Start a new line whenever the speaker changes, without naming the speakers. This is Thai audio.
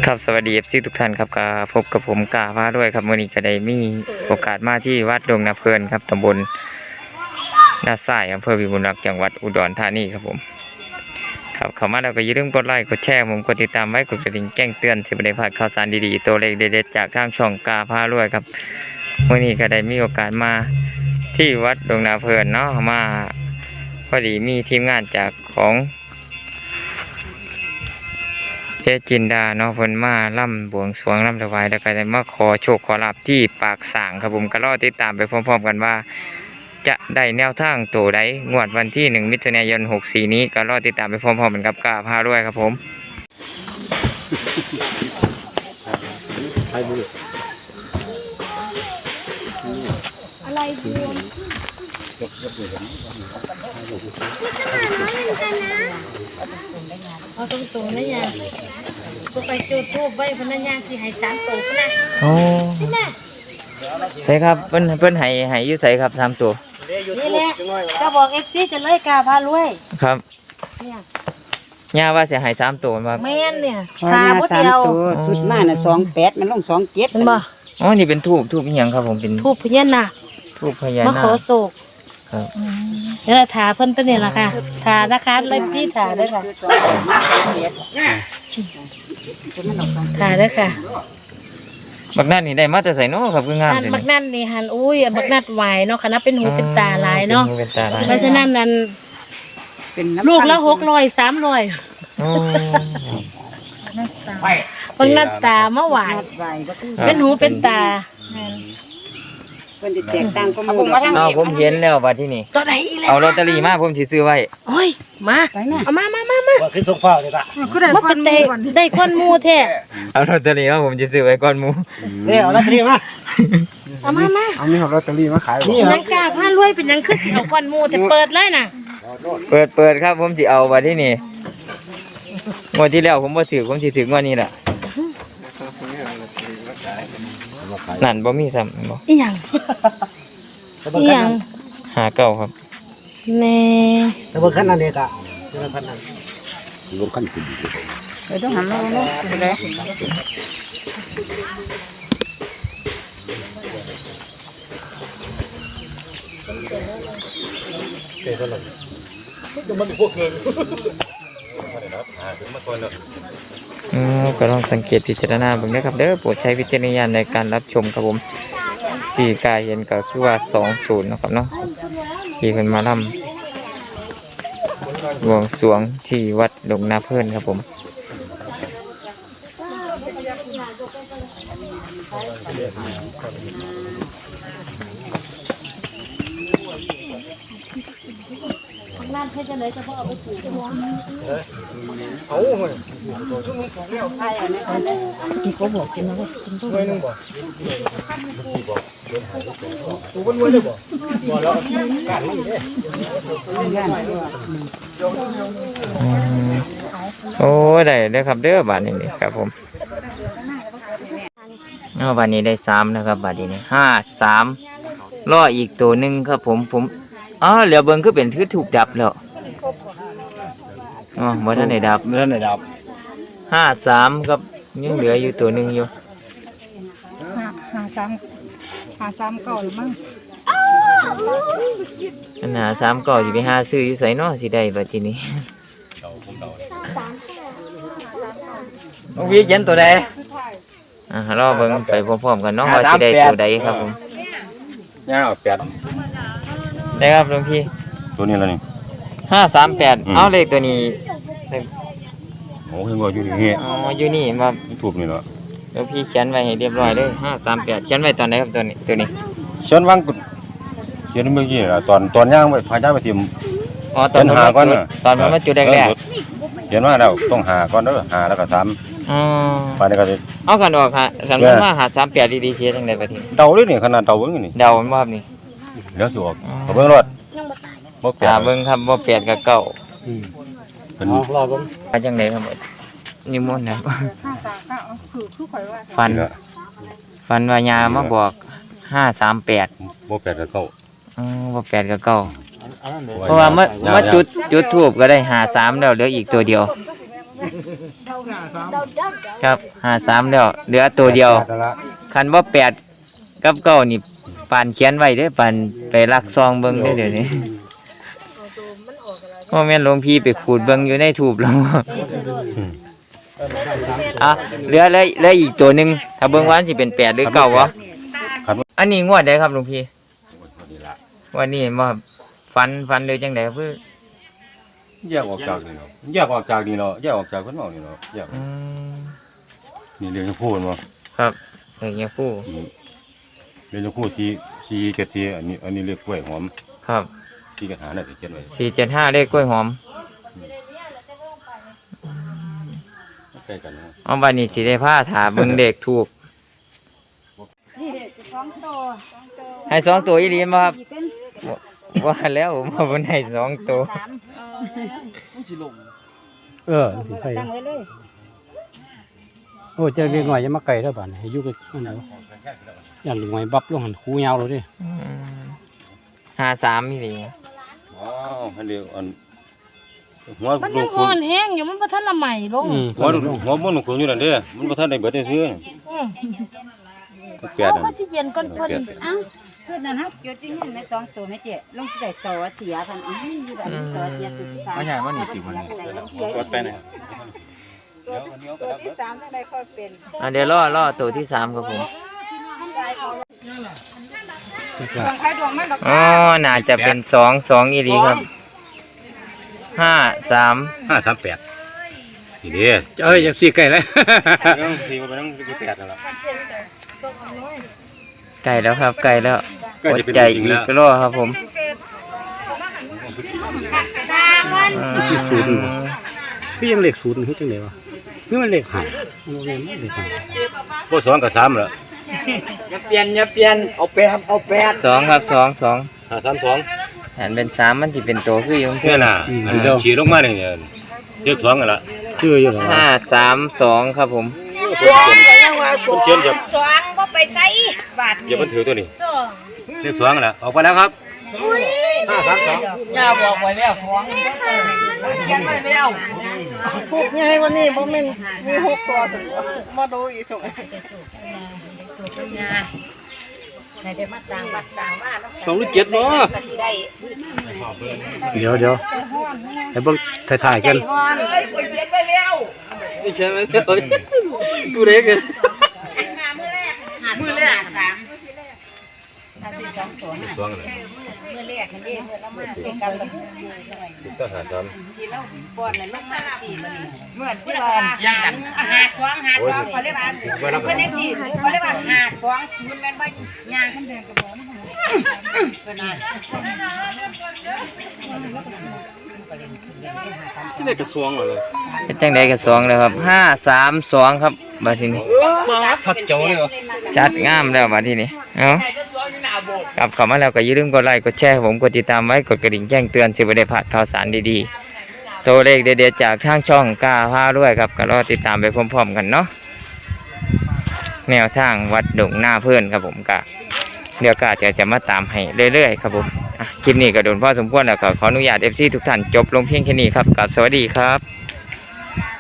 ครับสวัสดีFCทุกท่านครับก็พบกับผมกาพาด้วยครับวันนี้ก็ได้มีโอกาสมาที่วัดดงนาเพลินครับตำบลนาทรายอำเภอวิบูลย์รักษ์จังหวัดอุดรธานีครับผมครับเข้ามาแล้วก็อย่าลืมกดไลค์กดแชร์ผมกดติดตามไว้กดกระดิ่งแจ้งเตือนสิบ่ได้พลาดข่าวสารดีๆตัวเลขเด็ดๆจากทางช่องกาพาด้วยครับวันนี้ก็ได้มีโอกาสมาที่วัดดงนาเพลินเนาะมาพอดีมีทีมงานจากของเจจินดาเนาะเพิ่นมาล่ำบวงสรวงล่ำถวายแล้วก็ได้มาขอโชคขอลาภที่ปากสางครับผมก็รอติดตามไปพร้อมๆกันว่าจะได้แนวทางตัวใดงวดวันที่1 มิถุนายน 64นี้ก็รอติดตามไปพร้อมๆกันกับกาพาด้วยครับผม
อะไรบวมเอาตรงๆนะยาก็ไปจุดธูปไว้พนักงานสิให้3ตัวพุ่นน่ะ
โอ้ใช่ครับเพิ่นให้อยู่ไสครับ3ตัว
นี่แหละก็บอก FC จะเลยกาพารวย
ครับ
เนี่ย
ย่าว่าสิให้3ตัวบ่
แม่นเนี่ย
พาบ่เดียวชุดมาน่ะ28มันลง27
เห็นบ่
อ๋อนี่เป็นทูบอีหยังครับผมเป็น
ธูปพญานาค
ทูบพญานาค
มาขอโศก
ครับ
เดี๋ยวถาเพิ่นตัวนี้ล่ะค่ะถานะคะเลยสิถาเด้อค่ะถาเด้อค่ะ
บักนั่นนี่ได้มาแต่ไสเนาะครับคืองาม
บักนั่นนี่หันอุ้ยบักนัดไหวเนาะคณะเป็นหูเป็นตาหลายเนาะเพราะฉะนั้นนั่นลูกละ600 300
โอ้
บักนัดตามาไหวเป็นหูเป็นตา
เพิ่นสิแจกตังค์ก็มา
เอาผมเห็นแล้วบัดที่นี่
ตัวไหนอีกแล้ว
เอาลอตเตอรี่มาผมสิซื้อไว้
โอ้ยมาเอามา
ว่าคือส่งฟ้าเลยป่ะ
มาเป็นได้คนหมู่แท้
เอาลอตเตอรี่มาผมสิซื้อไว้ก่อนหมู่
เนี่ยเอาลอตเตอรี่มา
เอามา
เอานี่เอาลอตเตอรี่มาขายบ่
นังกาพารวยเป็นหยังคือสิเอาคนหมู่แต่เปิดเลยน่ะ
เปิดครับผมสิเอาบัดที่นี่งวดที่แล้วผมบ่ถือผมสิถืองวดนี้ล่ะนั่นบ่มีซ้ำบ่
อีหยัง
59ครับ
แน่
แต่บ่คันนั้นเด้กะบ่คันนั้นบ่คันติด
ต้องหันมาเนาะเด้
เซ่ซะเลยจะมันพวกเกิน
ก็ลองสังเกตพิจารณาเบิ่งนะครับเด้อโปรดใช้วิจารณญาณในการรับชมครับผมที่กายเห็นก็คือว่า20นะครับเนาะที่เพิ่นมาล่ำบวงสรวงที่วัดดงนาเพลินครับผม
น้ำให้จะเลยจะพอเอาไปถู
เอาเฮ้ยชุดนึงของแล้วใช่อันนี้
ที่เขาบอกกินแล้วก็กินทุกวัน
นึงบ่ถูกบ่รวยเลยบ่บ่แล้วการมันเด้
โอ้ได้ครับเด้อบาทนี้ครับผมบาทนี้ได้3นะครับบาทนี้53รออีกตัวนึงครับผมเหลือเบิ่งคือเป็นคือถูกดับแล้วบ่ทันได้ดับ53ครับยังเหลืออยู่ตัวนึงอยู่
53เก่าหรือมั้ง
อัน53ก็สิไปหาซื้ออยู่ไสเนาะสิได้บัดทีนี้วิเขียนตัวใดรอเบิ่งไปพร้อมๆกันเนาะว่าสิได้ตัวใดครับผม
ย่า8
ได้ครับหลวงพี่
ตัวนี้แล้วนี่
538เอาเลขตัวนี้
โอ้ยว่าอยู่นี่
อยู่นี่มา
ถูกนี่เหรอ
หลวงพี่เขียนไว้ให้เรียบร้อยเลย538เขียนไว้ตอนไหนครับตัวนี้
เขียนวางเขียนเมื่อกี้ล่ะตอนย่างไปพาย่างไปทิ่ม
ตอนหาก่อนตอนมันมาจุดแรก
ๆเขียนว่าแล้วต้องหาก่อนเด้อหาแล้วก็3ไปนี่ก็
เอากันออกคันมาหา38ดีๆเสียจังได๋บัดนี้
เดาเลยนี่ขนาดเดาเบิ่งนี่
เดามันบ่ครับนี่
เดี๋ยวสิออกเบิ่งรถ
บ่แปดเบิ่งครับบ่8กับ9
เพิ่นรอเบิ่ง
จังได๋ครับนิมนต์ครับฝันว่ายามาบอก538
บ่8กับ9
บ่8กับ9เพราะว่ามาจุดทูบก็ได้53แล้วเหลืออีกตัวเดียวครับ53แล้วเหลือตัวเดียวคันบ่8กับ9นี่ปานเขียนไว้เด้อปานไปลักซองเบิ่งเด้อเดี๋ยวนี้พ่อแม่นหลวงพี่ไปขูดเบิ่งอยู่ในทูบแล้วเหลืออีกตัวหนึงถ้าเบิ่งว่าสิเป็น8หรือ9บ่อันนี้งวดใดครับหลวงพี่วันนี้บ่ฟันเลยจังได๋คือ
แยกออกจากนี่เนาะแยกออกจากนี่เนาะแยกออกจากคนเมานี่เนาะแยกนี่เรียนจะพูดบ่
ครับอย่างเงี้ยผู้
เรียนจะพูดสีเกศสีอันนี้เรียกกล้วยหอม
ครับ
ที่กระถางน่ะจะเขียนไว้
475เลขกล้วยหอม
ใกล้กันนะ
เอาบัดนี้สิได้พาถาเบิ่งเลขถูกให้2ตัวอีหลีบ่ครับว่าแล้วผมว่าบ่ได้2ตัว
สิไปโอ้เจอเรียกหน่อยจะมาไก่เท่าบ้านให้อยู่กับนั่นเอาอย่างหน่อยบับลงหันคูยาวเลยดิ
53อีหลี
อ๋ออันเดียวอันหัว
มัน
ลู
ยัง
ก
อ่อนแห้งอยู่มันบ่ทันละใหม่ลง
หัวมันลูกอยู่นั่นเด้มันบ่ทันได้เบิดซื่อแปด
เพราะว่าสิเย็นก่อนเพิ่น
เอ้าคือนั่นฮะอยู่ที่นี่แม่2ตัวแม่เจ๊ลงสิได้ซอเสียพันอ้าวอยู่แบบซอเสียตัวที่3มาใหญ่มานี่ติมันกดไปไหนตัวที่3จังได๋ค่อยเป็น
เดี๋ยวรอตัวที่3ครับผมอ๋อน่าจะเป็น2อีหลีครับ538
นี่เด้
ยังสี่ไก่เลย
ยังสีบ่ไปนั่งสิ8นั่นล่ะ
ไก่แล้วครับไก่แล้ว
ใกล้จะเป็น
ใจ
จริ
อี
งแล้ว
กรอครับผม
ที่ศูนย์พี่ยังเลขศูนย์คือจังได๋วะนี่มันเลข5มันบ่แม่นเลข5
บ่2กับ3แล้ว
อย่าเปลี่ยนเอา8
2ครับ2
532
หันเป็น3มันสิเป็นตัวคืออยู่
เนี่ยน่ะอันขี่ลงมาเนี่ยเรียก2กันละ
คืออยู่แล้ว
532ครับผม
ผมเขียนจาก
2บ่ไปใส่บาท
เดี๋ยวมันถือตัวนี้
สอง
เรียก2กันละออกไปแล้วครับ
ย่าบอกไว้แล้วของเขียนไว้แล้วพูดไงวันนี้บ่แม่นมี6ตัวสิมาดูอีกถุงไหนได้มาสร้างวัดสร้างว่า
2หรือ7บ่
ก็สิได้
เดี๋ยวให้เบิ่งถ่ายๆกัน
ฮ้อนเอ้ยก็เขียนไว้แล้ว
นี่ใช่มั้ยดูเด็กกัน
มื้อแรกถามถ้าสิ2ตัว
เรียก2กันละ
มื้อแรกนั่นเด้มื้อละมาเป็นกันละ
ก็หา3
สิแล้วป้อนแล้วลงมาสิมื้อนี้เมื่อที่ว่าย่างกันหา2เขาเรียกว่าเพิ่นได้สิเขาเรียกว่าหา2 0แม่นบ่ย่างขึ้นเดินก็บ่มันเพิ่นน่ะ
ที่ได้กระทรวงเลย
เป็นจังได๋ก็2แล้วครับ532ครับบัดทีนี้
ชัดเจ๋วเลยเหรอ
ชัดงามแล้วบัดทีนี้เอ้ากลับเข้ามาแล้วก็อย่าลืมกดไลค์กดแชร์ให้ผมกดติดตามไว้กดกระดิ่งแจ้งเตือนสิบ่ได้พลาดข่าวสารดีๆตัวเลขเด็ดๆจากทางช่องกล้าพาด้วยครับก็รอติดตามไปพร้อมๆกันเนาะแนวทางวัดดงหน้าเพื่อนครับผมก็เดี๋ยวก็จะมาตามให้เรื่อยๆครับผมคลิปนี้ก็โดนพอสมควรแล้วก็ขออนุญาต FC ทุกท่านจบลงเพียงแค่นี้ครับกับสวัสดีครับ